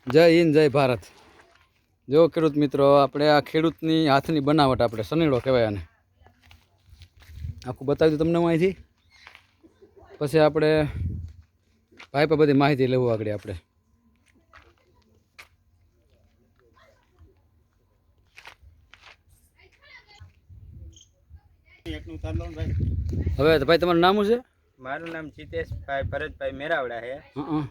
જય હિન્દ જય ભારત। જો ખેડૂત મિત્રો, આપણે આ ખેડૂતની હાથની બનાવટ, આપણે સનેડો કહેવાય આને, આખું બતાવી દઉં તમને હું અહીંથી, પછી આપણે ભાઈ પર બધી માહિતી લેવું આગળ આપણે। હવે તો ભાઈ તમારું નામ શું છે? મારું નામ જીતેશભાઈ ભરતભાઈ મેરાવડા છે।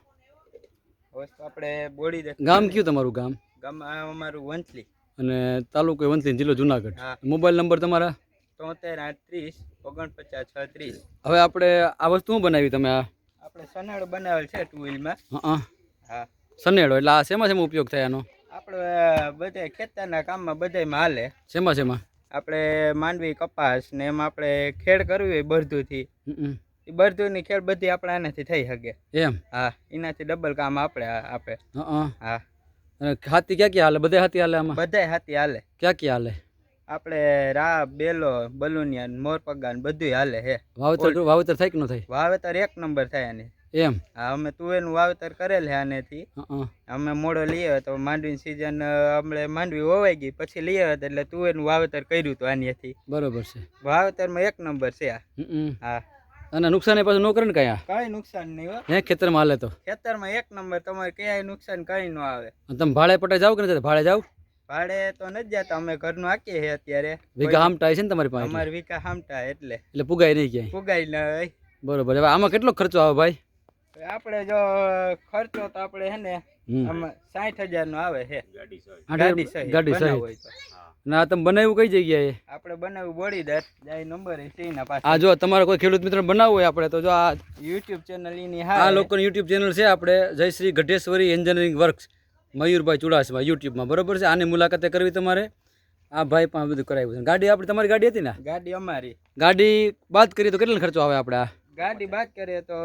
વસ્તુ આપણે બોડી દે ગામ કયું તમારું? ગામ ગામ અમારું વંથલી અને તાલુકો વંથલી, જિલ્લો જુનાગઢ। હા। મોબાઈલ નંબર તમારા? 73 38 49 36। હવે આપણે આ વસ્તુ શું બનાવી તમે? આ આપણે સનેડો બનાવેલ છે ટુ વ્હીલમાં। હા સનેડો એટલે આ શેમાં શેમાં ઉપયોગ થાય આનો? આપણે બધા ખેતરના કામમાં બધામાં હાલે। શેમાં શેમાં? આપણે માંડવી કપાસ ને એમાં આપણે ખેડ કરવી હોય બરધુથી, એ બરધુની ખેડ બધી આપણે આનાથી થઈ શકે એમ? હા, એનાથી ડબલ કામ આપણે આપે। હા। અને હાથી ક્યાં ક્યાં હાલે? બધા હાથી હાલે આમાં? બધાય હાથી હાલે। ક્યાં ક્યાં હાલે? આપણે રા બેલો બલુનિયા મોરપગા ને બધું હાલે હે। વાવેતર થાય કે ન થાય? વાવેતર એક નંબર થાય આને। એમ? હા, અમે તુવેરનું વાવેતર કરેલ છે આનેથી। અમે મોડો લઈ આવ્યા તો માંડવીની સિઝન આપણે માંડવી વવાઈ ગઈ પછી લઈ આવ્યા એટલે તુવેરનું વાવેતર કર્યું હતું આનેથી। બરોબર છે, વાવેતરમાં એક નંબર છે આ। હા। અને નુકસાન એ પાછું ન કરે ને કઈ? કઈ નુકસાન નહીં હો, હે ખેતરમાં હાલે તો? ખેતરમાં એક નંબર, તમારે ક્યાંય નુકસાન કઈ ન આવે। તમે ભાડે પટાઈ જાવ કે નથી? ભાડે જાવ? ભાડે તો નથી જતા, અમે ઘરનું હાકીએ છે અત્યારે। વીઘા હામટા છે ને તમારી પાસે? અમારે વીઘા હામટા એટલે પુગાય નહીં ક્યાંય? પુગાઈ નહીં। બરોબર। હવે આમાં કેટલો ખર્ચો આવે ભાઈ? આપણે જો ખર્ચો તો આપણે હે ને આમાં 60,000 નો આવે છે ગાડી સહિત હોય તો। ના તમે બનાવ્યું કઈ જગ્યાએ? આપણે બનાવ્યું બોડીદર જાય નંબર છે એના પાસે। આ જો તમારે કોઈ ખેડૂત મિત્ર બનાવવું હોય આપણે તો જો આ યુટ્યુબ ચેનલ એની આ લોકોની યુટ્યુબ ચેનલ છે આપણે, જયશ્રી ગઢેશ્વરી એન્જિનિયરિંગ વર્ક્સ, મયુરભાઈ ચુડાસમા યુટ્યુબમાં, બરોબર છે? આની મુલાકાતે કરવી તમારે। આ ભાઈ પણ બધું કરાવ્યું છે। ગાડી આપણી તમારી ગાડી હતી ને? ગાડી અમારી। ગાડી બાદ કરીએ તો કેટલો ખર્ચો આવે આપણે? આ ગાડી બાદ કરીએ તો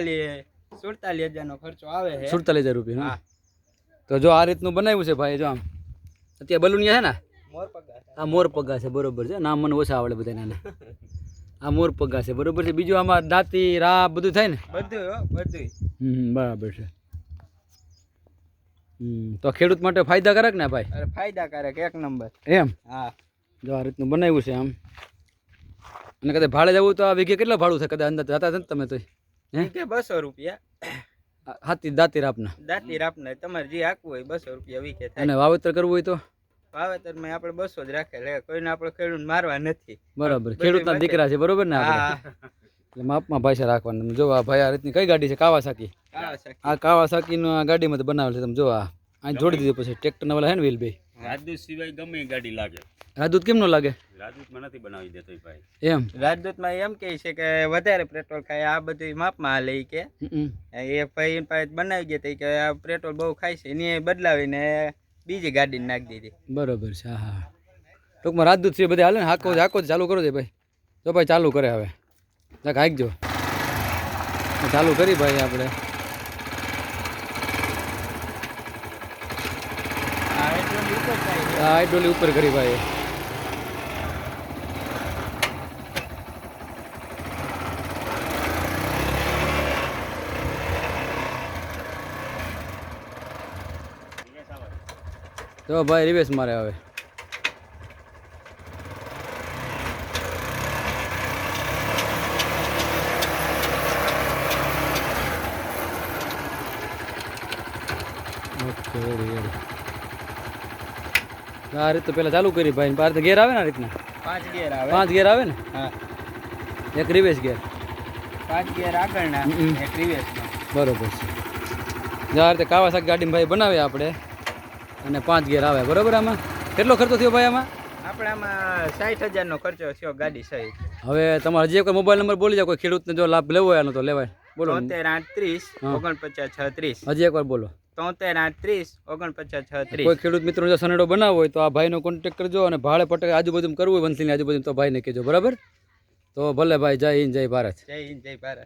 47,000 નો ખર્ચો આવે છે। 47,000 રૂપિયા? તો જો આ રીતનું બનાવ્યું છે ભાઈ, જો આમ અત્યારે બલુનિયા છે ને, આ મોર પગા છે, બરોબર છે? નામ મને ઓછા આવડે બધાને। આ મોર પગા છે, બરોબર છે? બીજું આમાં દાંતી રા બધું થાય ને? બધું બરાબર છે। તો ખેડૂત માટે ફાયદાકારક ને ભાઈ? અરે ફાયદાકારક એક નંબર। એમ? હા। જો આ રીતનું બનાવ્યું છે આમ। અને કદાચ ભાડે જવું તો આ વીઘે કેટલા ભાડું થાય? કદાચ અંદર જતા નથી તમે તો? વીઘે 200 રૂપિયા। હાથી દાંતી રાપના? દાંતી રાપના તમારે જે હાકવું હોય 200 રૂપિયા વીઘે થાય। અને વાવેતર કરવું હોય તો? વાવેતરમાં આપણે 200 જ રાખેલ, કોઈને આપણે ખેડૂત મારવા નથી। બરાબર, ખેડૂતના દીકરા છે, બરોબર ને? એટલે માપમાં ભાષા રાખવાનું। જો આ ભાઈ આ રીતની કઈ ગાડી છે? કાવાસાકી। આ કાવાસાકીનું આ ગાડીમાં તો બનાવેલ છે, તમે જો આ અહીં જોડી દીધું પછી ટ્રેક્ટરના વાળા હે ને વ્હીલ ભાઈ? રાજદૂત સિવાય ગમે એ ગાડી લાગે। રાજદૂત કેમ ન લાગે? રાજદૂતમાં નથી બનાવી દેતો ભાઈ। એમ? રાજદૂતમાં એમ કહે છે કે વધારે પેટ્રોલ ખાય, આ બધું માપમાં હાલે કે એ ભાઈ પાસે બનાવી ગયા કે આ પેટ્રોલ બહુ ખાય છે, એને બદલાવીને બીજી ગાડીને નાખી દીધી। બરોબર છે। હા હા, ટૂંકમાં રાજદૂત છે બધા હાલે ને? હાકો ચાલુ કરો છે ભાઈ? જો ભાઈ ચાલુ કરે હવે, જાક હાંકજો, ચાલુ કરી ભાઈ આપણે। હાઇડ્રોલી ઉપર કરી ભાઈ। તો ભાઈ રિવેશ મારે હવે। Okay, ready. આ રીત તો પેલા ચાલુ કરી ભાઈ, બાર તો ગેર આવે ને આ રીતના? 5 ગેર આવે। 5 ગેર આવે ને? હા, એક રિવેશ ગેર, 5 ગેર આગળના, એક રિવેશમાં। બરોબર છે। જો આ રીતે કાવાસાકી ગાડીમાં ભાઈ બનાવીએ આપણે, અને 5 ગેર આવે, બરોબર? આમાં કેટલો ખર્ચો થયો ભાઈ? આમાં આપણે આમાં 60,000 નો ખર્ચો થયો ગાડી સહિત। હવે તમારે જે કોઈ મોબાઈલ નંબર બોલી જાવ, કોઈ ખેડૂતને જો લાભ લેવો હોય આનો તો લેવાય, બોલો। 73 38 49 36। હજી એકવાર બોલો। 73 38 36। કોઈ ખેડૂત મિત્રો જો સનેડો બનાવવો હોય તો આ ભાઈનો કોન્ટેક્ટ કરજો, અને ભાડે પટકે આજુબાજુ કરવું હોય વંથલીની આજુબાજુ તો ભાઈને કહેજો, બરાબર? તો ભલે ભાઈ, જય હિન્દ જય ભારત। જય હિન્દ જય ભારત।